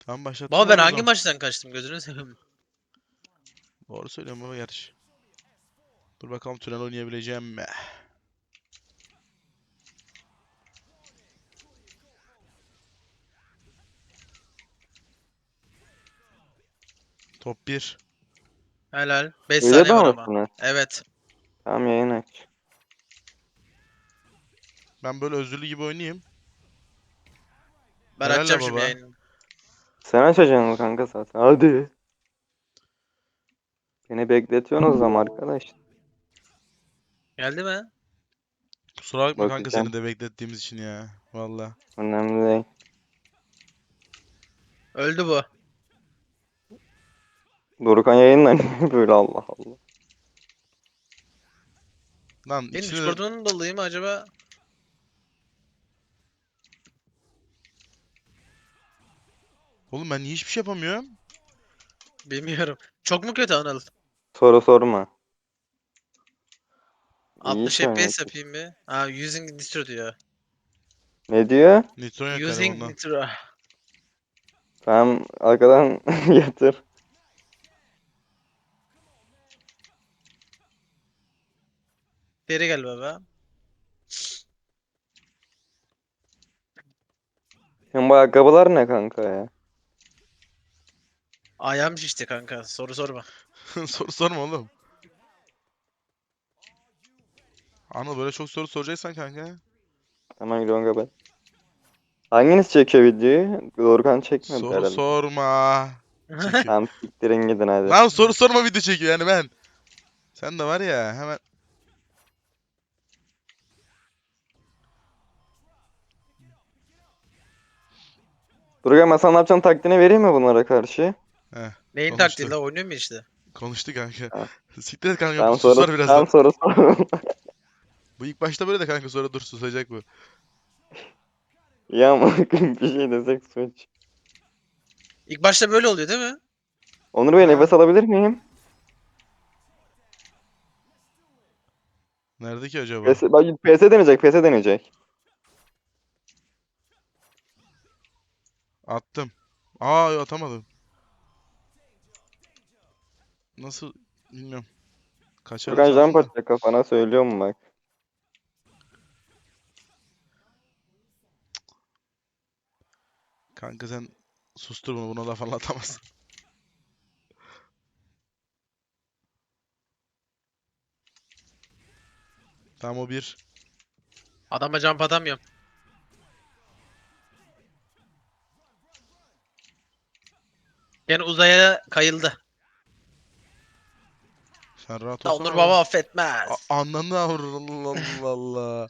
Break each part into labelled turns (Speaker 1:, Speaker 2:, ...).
Speaker 1: Tamam başlattım
Speaker 2: Baba ben
Speaker 1: abi o
Speaker 2: hangi
Speaker 1: zaman.
Speaker 2: maçtan kaçtım gözünü seveyim.
Speaker 1: Doğru söylüyorum baba gerçi. Dur bakalım tünel oynayabileceğim mi? Top 1.
Speaker 2: Helal. 5 saniye var
Speaker 3: Videoda
Speaker 2: ama.
Speaker 3: mısınız?
Speaker 2: Evet.
Speaker 3: Tamam, yayın aç.
Speaker 1: Ben böyle özürlü gibi oynayayım.
Speaker 2: Ben
Speaker 1: Helal la
Speaker 2: açacağım şimdi
Speaker 1: baba.
Speaker 2: yayını.
Speaker 3: Sen açacaksın kanka zaten. Hadi. Beni bekletiyorsunuz ama arkadaş.
Speaker 2: Geldi mi?
Speaker 1: Kusura bakma kanka
Speaker 3: Bakacağım.
Speaker 1: seni de beklettiğimiz için ya. Valla.
Speaker 3: Önemli değil.
Speaker 2: Öldü bu.
Speaker 3: Dorukhan yayınla böyle, Allah Allah.
Speaker 1: Lan
Speaker 2: Benim
Speaker 1: ikisini de...
Speaker 2: Discord'un dolayı mı acaba?
Speaker 1: Oğlum ben niye hiçbir şey yapamıyorum?
Speaker 2: Bilmiyorum. Çok mu kötü Anıl?
Speaker 3: Soru sorma. İyi
Speaker 2: 60
Speaker 3: iş
Speaker 2: FPS
Speaker 3: oynuyorsun.
Speaker 2: yapayım bir. Ha, using nitro diyor.
Speaker 3: Ne diyor?
Speaker 1: Nitron yok galiba
Speaker 2: Using
Speaker 1: ondan.
Speaker 2: nitro.
Speaker 3: Tamam, arkadan yatır.
Speaker 2: Geri gel baba.
Speaker 3: Hem bu ayakkabılar ne kanka ya?
Speaker 2: Ayağım şişti kanka. Soru sorma.
Speaker 1: Soru sorma oğlum. Anıl böyle çok soru soracaksan kanka.
Speaker 3: Hemen gidiyorum kapat. Hanginiz çekiyor videoyu? Dorukhan çekmedi
Speaker 1: Soru
Speaker 3: herhalde.
Speaker 1: sorma. Çekiyor.
Speaker 3: Tamam, siktirin gidin hadi.
Speaker 1: Lan soru sorma video çekiyor yani ben. Sen de var ya hemen.
Speaker 3: Dorukhan, ben sana ne yapacağım taktiğini vereyim mi bunlara karşı?
Speaker 1: Heh,
Speaker 2: Neyin taktiği
Speaker 1: konuştu.
Speaker 2: la oynuyor mu işte?
Speaker 1: Konuştu kanka.
Speaker 3: Tamam,
Speaker 1: Siktir et kanka bu
Speaker 3: tamam soru,
Speaker 1: susar birazdan.
Speaker 3: tamam soru sor.
Speaker 1: Bu ilk başta böyle de kanka sonra dur susacak bu.
Speaker 3: Ya ama bir şey desek suç.
Speaker 2: İlk başta böyle oluyor değil mi?
Speaker 3: Onur Bey,
Speaker 1: Ha?
Speaker 3: nefes alabilir miyim?
Speaker 1: Nerede ki acaba?
Speaker 3: PS, bak, PS deneyecek, PS deneyecek.
Speaker 1: Attım. Aa yo, atamadım. Nasıl bilmiyorum. Kaçarım
Speaker 3: Dorukhan jump
Speaker 1: sandım da.
Speaker 3: atacak kafana, söylüyorum bak.
Speaker 1: Kanka sen sustur bunu buna laf anlatamazsın. Tamam o bir.
Speaker 2: Adama jump atamıyorum. Yani uzaya kayıldı.
Speaker 1: Sen rahat
Speaker 2: Da
Speaker 1: olsana
Speaker 2: Onur
Speaker 1: baba.
Speaker 2: baba affetmez.
Speaker 1: Ananı Allah Allah.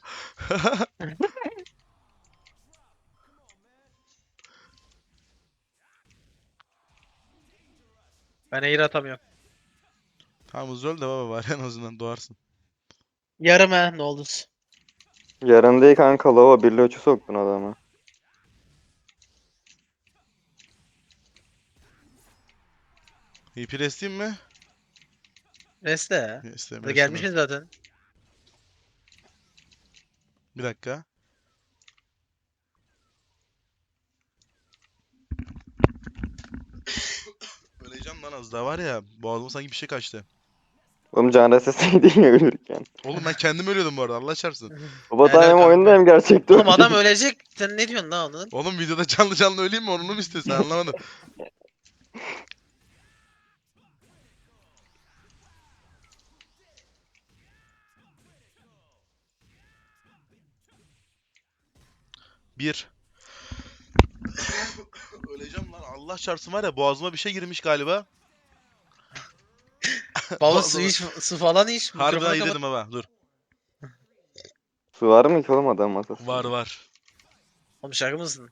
Speaker 2: Ben air atamıyorum.
Speaker 1: Tamam hızlı öl de baba var en azından doğarsın.
Speaker 2: Yarım he ne oldu?
Speaker 3: Yarın değil kanka, lava bir loçu soktun adama.
Speaker 1: İpi resteyim mi?
Speaker 2: Neyse ya.
Speaker 1: İstemiyorum
Speaker 2: Hadi
Speaker 1: istemiyorum.
Speaker 2: gelmişiz zaten.
Speaker 1: Bir dakika. Öleceğim lan az daha var ya. Boğazıma sanki bir şey kaçtı.
Speaker 3: Oğlum can sesi değil ya ölürken.
Speaker 1: Oğlum ben kendim ölüyordum bu arada Allah çarpsın.
Speaker 3: Baba
Speaker 2: Helal
Speaker 3: hem oyunda
Speaker 2: kanka.
Speaker 3: hem gerçekte
Speaker 2: Oğlum adam
Speaker 3: öldü.
Speaker 2: ölecek. Sen ne diyorsun lan onun?
Speaker 1: Oğlum videoda canlı canlı öleyim mi onu mu istiyorsun anlamadım. Bir. Öleceğim lan Allah çarpsın var ya boğazıma bir şey girmiş galiba.
Speaker 2: Baba su
Speaker 1: Boğazıma.
Speaker 2: iç, su falan iç.
Speaker 1: Harbiden
Speaker 2: Mikrofonu
Speaker 1: iyi
Speaker 2: kapat.
Speaker 1: dedim baba dur.
Speaker 3: Su var mı ki oğlum adam
Speaker 1: Var
Speaker 3: masasında?
Speaker 1: var.
Speaker 2: Oğlum şaka mısın?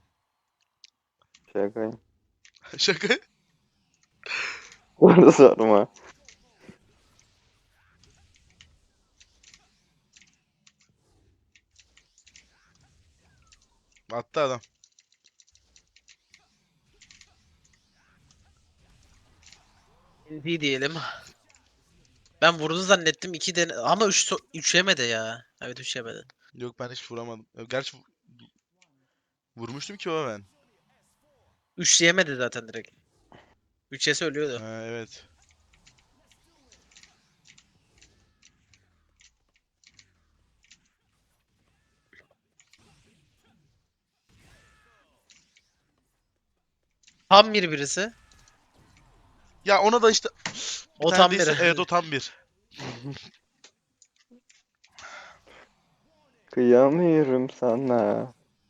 Speaker 3: Şaka.
Speaker 1: Şaka.
Speaker 3: Orada sorma.
Speaker 1: Attı adam.
Speaker 2: İyi diyelim. Ben vurdu zannettim 2 den ama 3 yemedi ya. Evet 3 yemedi.
Speaker 1: Yok ben hiç vuramadım. Gerçi vurmuştum ki baba ben.
Speaker 2: 3 yemedi zaten direkt. 3 yese ölüyordu.
Speaker 1: Ha, evet.
Speaker 2: Tam birisi.
Speaker 1: Ya ona da işte bir
Speaker 2: O
Speaker 1: tane
Speaker 2: tam
Speaker 1: değilse evet
Speaker 2: biri.
Speaker 1: o tam bir.
Speaker 3: Kıyamıyorum sana.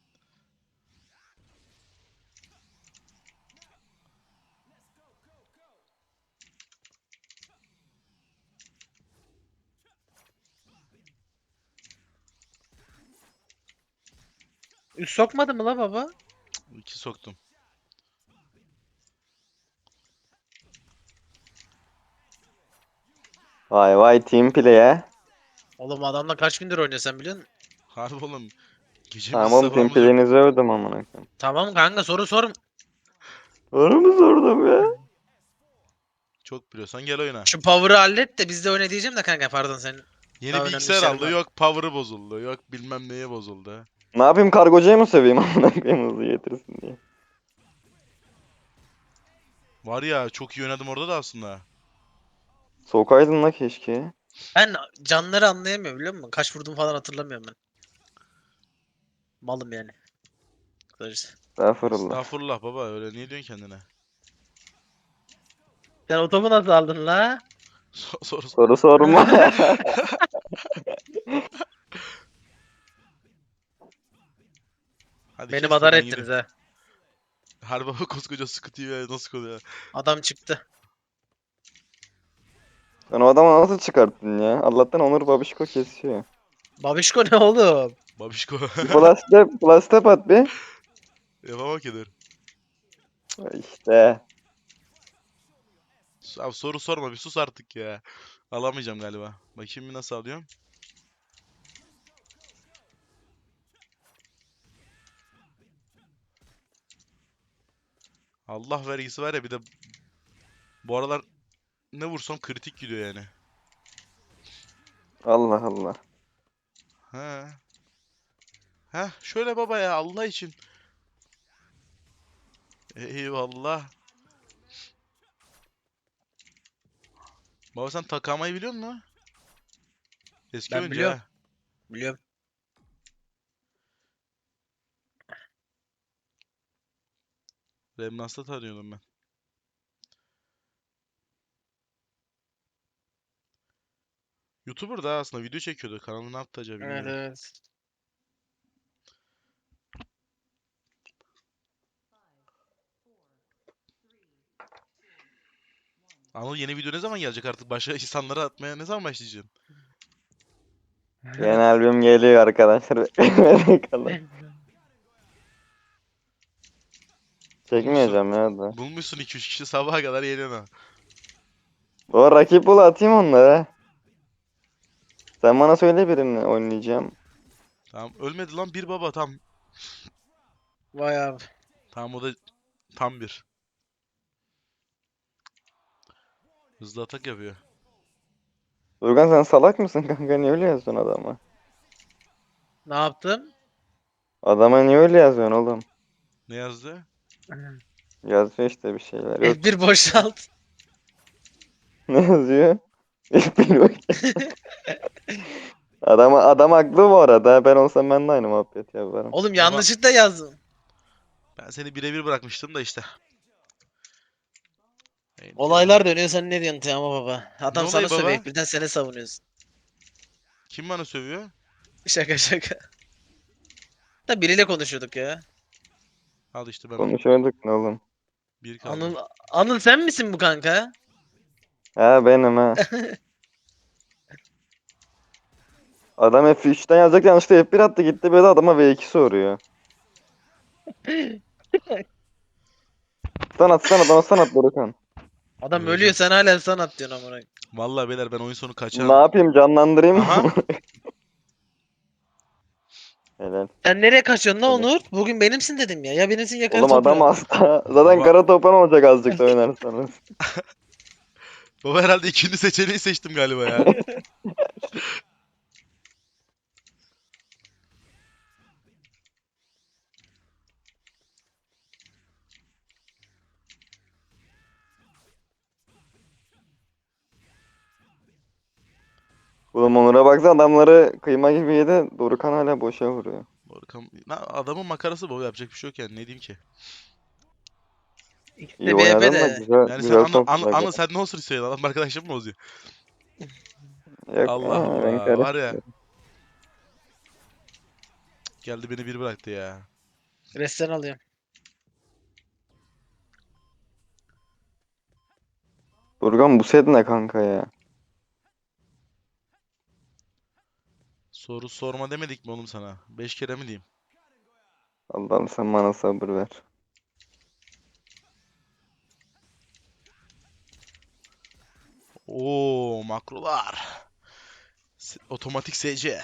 Speaker 2: Üst sokmadı mı la baba?
Speaker 1: İki soktum.
Speaker 3: Vay vay team play'e.
Speaker 2: Oğlum adamla kaç gündür oynuyor sen biliyor musun?
Speaker 1: Harbi oğlum. Gecemiz
Speaker 3: Tamam team
Speaker 1: sabahımız yok.
Speaker 3: play'inizi övdüm amına koyayım.
Speaker 2: Tamam kanka soru sor.
Speaker 3: Doğru mu sordum ya?
Speaker 1: Çok biliyorsan gel oyna.
Speaker 2: Şu power'ı hallet de biz de oyna diyeceğim de kanka pardon senin
Speaker 1: Yeni
Speaker 2: daha önemli
Speaker 1: bilgisayar
Speaker 2: işlerin
Speaker 1: aldı.
Speaker 2: var.
Speaker 1: Yok power'ı bozuldu. Yok bilmem neye bozuldu.
Speaker 3: Ne yapayım kargocayı mı söveyim amına koyayım hızlı getirsin diye.
Speaker 1: Var ya çok iyi oynadım orada da aslında.
Speaker 3: Sokaydın la keşke.
Speaker 2: Ben canları anlayamıyorum biliyor musun? Kaç vurdum falan hatırlamıyorum ben. Malım yani. Kısacası.
Speaker 3: Estağfurullah.
Speaker 1: Estağfurullah baba öyle niye diyorsun kendine?
Speaker 2: Sen o topu nasıl aldın la?
Speaker 1: Soru
Speaker 3: Soru sorma.
Speaker 1: Hadi
Speaker 2: Beni
Speaker 1: kes de
Speaker 2: madar
Speaker 1: ben
Speaker 2: ettiniz
Speaker 1: gideyim.
Speaker 2: ha.
Speaker 1: Harbi baba koskoca Sıkı TV nasıl konuyor?
Speaker 2: Adam çıktı.
Speaker 3: Sen o adamı nasıl çıkarttın ya? Allah'tan Onur Babişko kesiyor.
Speaker 2: Babişko ne oğlum?
Speaker 1: Babişko.
Speaker 3: Bir plus step at bir.
Speaker 1: Yapamam ki dur.
Speaker 3: İşte.
Speaker 1: Abi soru sorma bir sus artık ya. Alamayacağım galiba. Bakayım bir nasıl alıyorum. Allah vergisi var ya bir de bu aralar ne vursam kritik gidiyor yani.
Speaker 3: Allah Allah.
Speaker 1: He. Heh şöyle baba ya Allah için. Eyvallah. Baba sen Takama'yı biliyor musun? Eski
Speaker 2: Ben
Speaker 1: oyuncu
Speaker 2: biliyorum.
Speaker 1: ha.
Speaker 2: Biliyorum.
Speaker 1: Remnas'ta tanıyordum ben. YouTuber da aslında video çekiyordu. Kanalı ne yaptı acaba
Speaker 2: Evet
Speaker 1: bilmiyorum.
Speaker 2: evet.
Speaker 1: Anıl yeni video ne zaman gelecek artık? Başka insanlara atmaya ne zaman başlayacaksın?
Speaker 3: Yeni albüm geliyor arkadaşlar. Beklemede kalın.
Speaker 1: Bulmuşsun.
Speaker 3: Çekmeyeceğim ya da.
Speaker 1: Bulmuşsun 2-3 kişi sabaha kadar yeniyorsun ha.
Speaker 3: O rakip bul atayım onlara. Sen bana söyle birini oynayacağım.
Speaker 1: Tamam ölmedi lan bir baba tam.
Speaker 2: Vay abi.
Speaker 1: Tamam o da tam bir. Hızlı atak yapıyor.
Speaker 3: Durgan sen salak mısın kanka niye öyle yazıyorsun adama?
Speaker 2: Ne yaptım?
Speaker 3: Adama niye öyle yazıyorsun oğlum?
Speaker 1: Ne yazdı?
Speaker 3: Yazıyor işte bir şeyler yok.
Speaker 2: F1 boşalt.
Speaker 3: Ne yazıyor? Bilmiyorum. Adam haklı bu arada. Ben olsam ben de aynı muhabbet yaparım.
Speaker 2: Oğlum
Speaker 1: Baba
Speaker 2: yanlışlıkla yazdım.
Speaker 1: ben seni birebir bırakmıştım da işte.
Speaker 2: Olaylar dönüyor sen ne diyorsun Teoman baba?
Speaker 1: Ne
Speaker 2: Adam sana
Speaker 1: olayı
Speaker 2: sövüyor.
Speaker 1: baba?
Speaker 2: Birden seni savunuyorsun.
Speaker 1: Kim bana sövüyor?
Speaker 2: Şaka şaka. Da biriyle konuşuyorduk ya.
Speaker 1: Al işte ben
Speaker 3: Konuşuyorduk ne oğlum?
Speaker 1: bir kaldı.
Speaker 2: Anıl, Anıl sen misin bu kanka?
Speaker 3: Ha benim ha. Adam F3'ten yazacak yanlışlıkla F1 attı gitti böyle adama V2 soruyor. Stun at adama Dorukan.
Speaker 2: Adam ölüyor
Speaker 1: Öleceğim.
Speaker 2: sen hala sanat diyorsun amına.
Speaker 1: Vallahi beyler ben oyun sonu
Speaker 3: Ne
Speaker 1: kaçarım.
Speaker 3: yapayım canlandırayım mı?
Speaker 1: Aha.
Speaker 3: Helal.
Speaker 2: Sen nereye kaçıyorsun lan
Speaker 3: Helal.
Speaker 2: Onur? Bugün benimsin dedim ya. Ya benimsin ya kara
Speaker 3: Oğlum adam
Speaker 2: toprağın.
Speaker 3: hasta. Zaten
Speaker 1: Baba,
Speaker 3: kara topan olacak azıcık da oynarsanız.
Speaker 1: baba herhalde ikinci seçeneği seçtim galiba ya.
Speaker 3: Oğlum Onur'a baksana adamları kıyma gibi yedi. Dorukhan hala boşa vuruyor.
Speaker 1: Adamın makarası bu, yapacak bir şey yok yani, ne diyeyim ki.
Speaker 2: İkisi
Speaker 3: İyi
Speaker 2: de BP
Speaker 3: oynadın da
Speaker 2: de.
Speaker 3: güzel
Speaker 1: Yani sen
Speaker 3: güzel soktular.
Speaker 1: anı sen ne olsun istiyorsun, adam arkadaşım mı bozuyor?
Speaker 3: Yok
Speaker 1: Allah
Speaker 3: ben
Speaker 1: Allah, var ya,
Speaker 3: karışmıyorum.
Speaker 1: geldi beni bir bıraktı ya.
Speaker 2: Resten alıyorum.
Speaker 3: Dorukhan bu set ne kanka ya?
Speaker 1: Soru sorma demedik mi oğlum sana? 5 kere mi diyeyim?
Speaker 3: Allah'ım sen bana sabır ver.
Speaker 1: Oo, makrolar. Otomatik SC.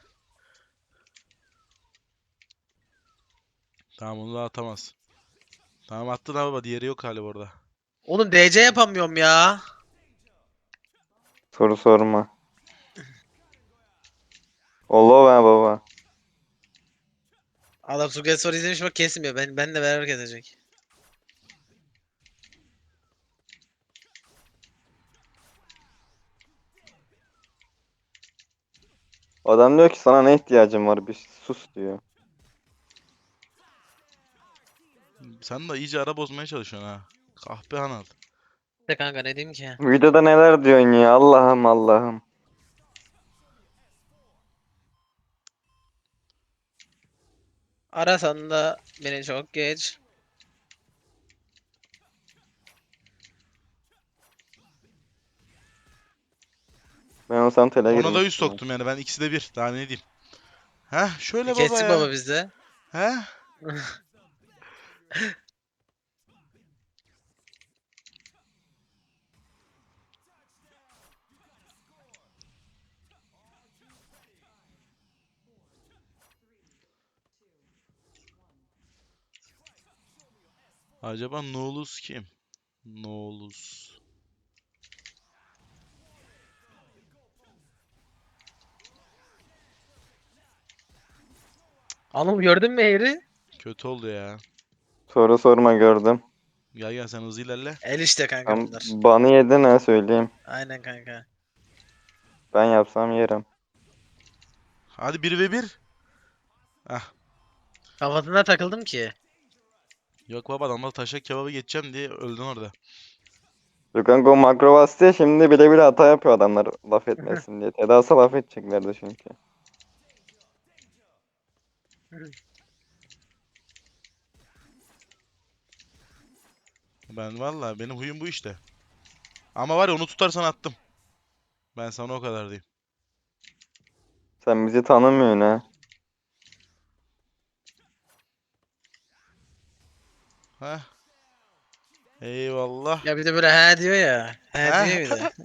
Speaker 1: Tamam, onu da atamaz. Tamam, attın abi, diğeri yok galiba orada.
Speaker 2: Oğlum DC yapamıyorum ya.
Speaker 3: Soru sorma. Allah be baba.
Speaker 2: Adam Suget soru izlemiş bak kesmiyor. Ben de beraber kesecek.
Speaker 3: Adam diyor ki sana ne ihtiyacın var? Bir sus diyor.
Speaker 1: Sen de iyice ara bozmaya çalışıyorsun ha. Kahpe Hanal.
Speaker 2: De kanka ne diyeyim ki?
Speaker 3: Videoda neler diyorsun ya? Allah'ım Allah'ım.
Speaker 2: Arasan da beni çok geç.
Speaker 3: Ben olsam tele
Speaker 1: Ona da 100
Speaker 3: girmiştim.
Speaker 1: soktum yani, ben ikisi de bir. Daha ne diyeyim. Heh, şöyle baba
Speaker 2: Kestik
Speaker 1: ya.
Speaker 2: baba bizde.
Speaker 1: Heh. Acaba Nolus kim? Nolus.
Speaker 2: Anıl gördün mü Eğri?
Speaker 1: Kötü oldu ya.
Speaker 3: Soru sorma gördüm.
Speaker 1: Gel gel, sen hızlı ilerle.
Speaker 2: El işte kanka
Speaker 3: Tam
Speaker 2: bunlar.
Speaker 3: banı yedin ha söyleyeyim.
Speaker 2: Aynen kanka.
Speaker 3: Ben yapsam yerim.
Speaker 1: Hadi 1v1. Heh.
Speaker 2: Kafasına takıldım ki.
Speaker 1: Yok baba, adamla taşak kebabı geçeceğim diye öldün orada.
Speaker 3: Lukaku makro bastı ya şimdi bile bile hata yapıyor adamlar laf etmesin diye. Tedası laf edeceklerdi çünkü.
Speaker 1: Ben valla, benim huyum bu işte. Ama var ya, onu tutarsan attım. Ben sana o kadar diyeyim.
Speaker 3: Sen bizi tanımıyorsun ha.
Speaker 1: Heh. Eyvallah.
Speaker 2: Ya bir de böyle he diyor ya. He
Speaker 1: Heh.
Speaker 2: diyor bir de.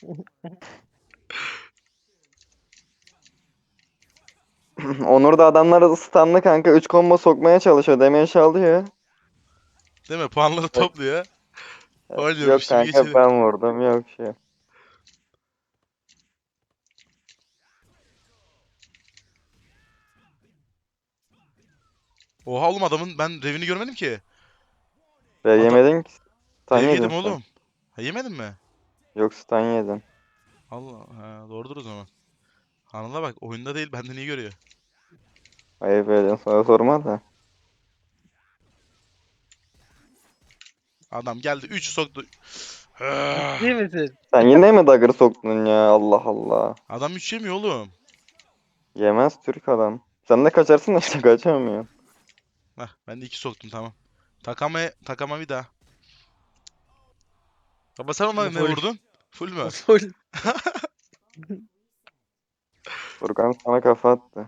Speaker 3: Onur da adamları stunlı kanka 3 combo sokmaya çalışıyor. Damage alıyor.
Speaker 1: Değil mi? Puanları
Speaker 3: Yok,
Speaker 1: topluyor.
Speaker 3: yok
Speaker 1: Oynuyormuş gibi
Speaker 3: kanka
Speaker 1: geçelim.
Speaker 3: ben vurdum yok şey.
Speaker 1: Oha oğlum, adamın ben revini görmedim ki.
Speaker 3: Ve
Speaker 1: Adam
Speaker 3: yemedin ki. Stun
Speaker 1: rev
Speaker 3: yedin
Speaker 1: yedim
Speaker 3: sen.
Speaker 1: oğlum. Ha, yemedin mi?
Speaker 3: Yok stun yedin.
Speaker 1: Allah, ha, doğrudur o zaman. Anla bak, oyunda değil, benden iyi görüyor.
Speaker 3: Ayıp ediyorsun sonra sorma da.
Speaker 1: Adam geldi 3 soktu.
Speaker 2: Ciddi misin?
Speaker 3: Sen yine mi dagger soktun ya Allah Allah.
Speaker 1: Adam 3 yemiyor oğlum.
Speaker 3: Yemez Türk adam. Sen de kaçarsın da işte kaçamıyorsun.
Speaker 1: Heh, ben de 2 soktum, tamam. Takama bir daha. Baba sen ona ne
Speaker 2: Full.
Speaker 1: vurdun? Full mü?
Speaker 2: Full.
Speaker 3: Furkan sana kafa attı.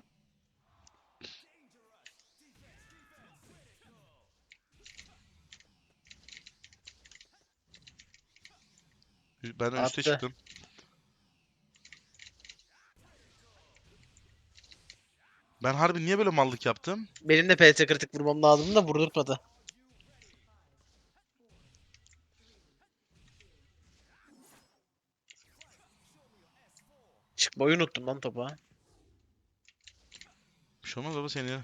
Speaker 1: Ben üste
Speaker 2: Attı.
Speaker 1: çıktım. Ben harbi niye böyle mallık yaptım?
Speaker 2: Benim de PT kritik vurmam lazım da vurdurtmadı. Çıkmayı unuttum lan topa.
Speaker 1: Bir şey olmaz baba seni.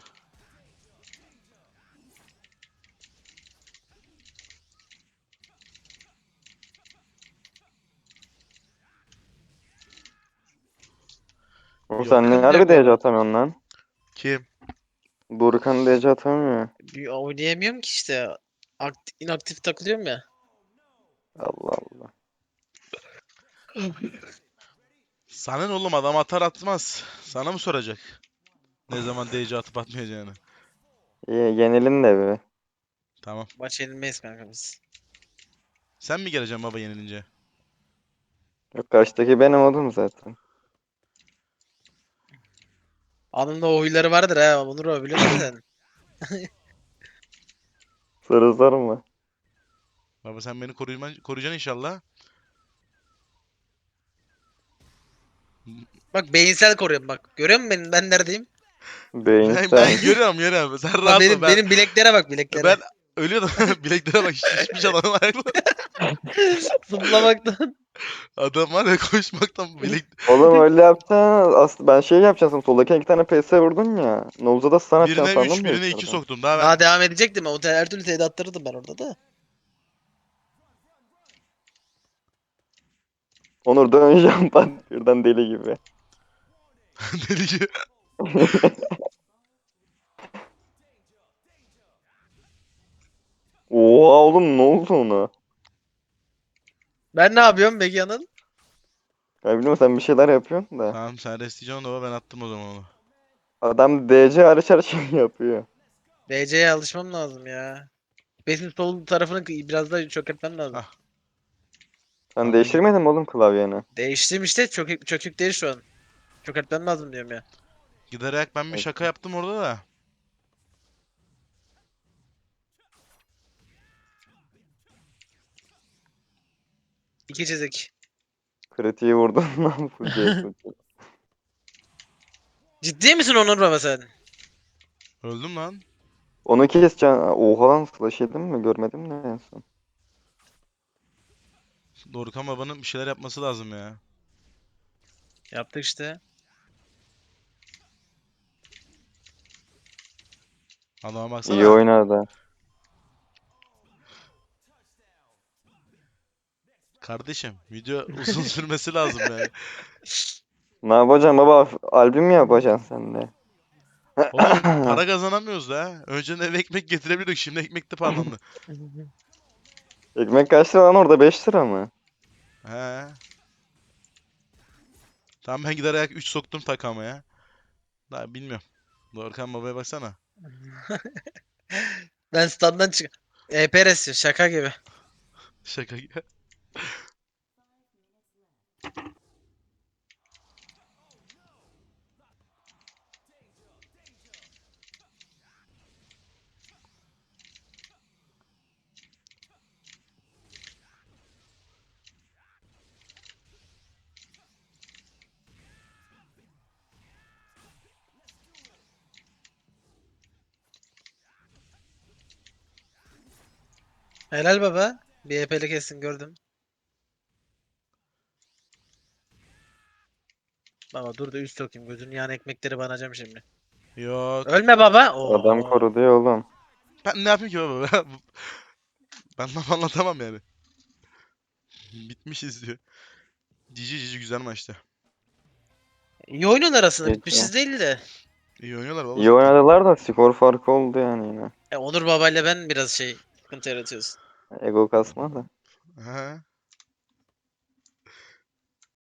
Speaker 3: Oğlum
Speaker 1: Yok.
Speaker 3: sen ne
Speaker 2: Yakın
Speaker 3: harbi
Speaker 2: diyor
Speaker 3: DC
Speaker 2: baba.
Speaker 3: atamıyorsun lan?
Speaker 1: Kim?
Speaker 3: Burkan DC atamıyor.
Speaker 2: Bir oynayamıyorum ki işte. İnaktif takılıyorum ya.
Speaker 3: Allah Allah.
Speaker 1: Sana ne oğlum, adam atar atmaz. Sana mı soracak? Ne zaman DC atıp atmayacağını.
Speaker 3: Yenilin de bir.
Speaker 1: Tamam.
Speaker 2: Maç yenilmeyiz kanka biz.
Speaker 1: Sen mi geleceksin baba yenilince?
Speaker 3: Yok karşıdaki benim oğlum zaten.
Speaker 2: Anında o huyları vardır ha. Onur o biliyorsun değil mi sen?
Speaker 3: Sarı sarma.
Speaker 1: Baba sen beni koruyacaksın inşallah.
Speaker 2: Bak beyinsel koruyorum bak. Görüyor musun ben neredeyim?
Speaker 1: Ben
Speaker 3: Beyinsel.
Speaker 1: görüyorum. Sen
Speaker 2: Bak
Speaker 1: rahat ol.
Speaker 2: benim bileklere bak bileklere.
Speaker 1: Ben ölüyordum. Bileklere bak, şişmiş adamın ayakları.
Speaker 2: Zıplamaktan.
Speaker 1: Adam var ya, koşmaktan bilek...
Speaker 3: Oğlum öyle yapsan aslında ben şey yapacaksın. Soldaki iki tane PS vurdun ya. Nolza da stun atacaksın
Speaker 1: Birine 3,
Speaker 3: sandım da
Speaker 1: birine 2
Speaker 3: yukarıdan.
Speaker 1: soktum. Daha ben
Speaker 2: Daha devam edecektim. O her türlü teyit attırırdım ben orada da.
Speaker 3: Onur döneceğim ben birden deli gibi.
Speaker 1: deli gibi.
Speaker 3: Oha oğlum ne oldu ona?
Speaker 2: Ben ne yapıyorum peki Anıl?
Speaker 3: Ya bilmiyorum sen bir şeyler yapıyorsun da.
Speaker 1: Tamam, sen restleyeceksin onu, ben attım o zaman onu.
Speaker 3: Adam DC hariç her şeyi yapıyor.
Speaker 2: DC'ye alışmam lazım ya. Benim sol tarafını biraz daha çökertmem lazım.
Speaker 1: Hah.
Speaker 3: Sen
Speaker 1: Tamam,
Speaker 3: değiştirmedin mi oğlum klavyeni?
Speaker 2: Değiştim işte. Çökük değil şu an. Çökertmem lazım diyorum ya.
Speaker 1: Giderek ben bir
Speaker 3: Evet.
Speaker 1: şaka yaptım orada da.
Speaker 2: İki çizik.
Speaker 3: Kritiği vurdun lan full CS.
Speaker 2: Ciddi misin Onur baba sen?
Speaker 1: Öldüm lan.
Speaker 3: Onu keseceksin. Oha lan flash yedin mi? Görmedim de en son.
Speaker 1: Dorukhan babanın bir şeyler yapması lazım ya.
Speaker 2: Yaptık işte.
Speaker 1: Adama
Speaker 3: İyi
Speaker 1: baksana.
Speaker 3: oynadı.
Speaker 1: Kardeşim, video uzun sürmesi lazım yani.
Speaker 3: Ne yapacaksın baba? Albüm mü yapacaksın sen de?
Speaker 1: Oğlum para kazanamıyoruz da. Önceden eve ekmek getirebiliyorduk. Şimdi ekmek de pahalandı.
Speaker 3: Ekmek kaç lira lan orada? 5 lira mı?
Speaker 1: He. Tamam, ben gider ayak 3 soktum takamaya. Daha bilmiyorum. Dorukhan babaya baksana.
Speaker 2: Ben standdan çık. EPRS şaka gibi.
Speaker 1: Şaka gibi.
Speaker 2: Helal baba. Bir EP'li kesin gördüm. Baba dur da üst sokayım. Gözünün yan ekmekleri banacağım şimdi.
Speaker 1: Yok.
Speaker 2: Ölme baba.
Speaker 3: Adam
Speaker 2: Oo.
Speaker 3: korudu ya oğlum.
Speaker 1: Ben ne yapayım ki baba? Ben laf anlatamam yani. Bitmişiz diyor. Cici güzel maçtı.
Speaker 2: İyi oynuyorlar aslında.
Speaker 3: Peki.
Speaker 2: Bitmişiz değil de.
Speaker 1: İyi oynuyorlar baba
Speaker 3: İyi
Speaker 1: zaten.
Speaker 3: oynadılar da skor farkı oldu yani yine.
Speaker 2: Onur babayla ben biraz sıkıntı yaratıyoruz.
Speaker 3: Ego kasma da.
Speaker 1: He.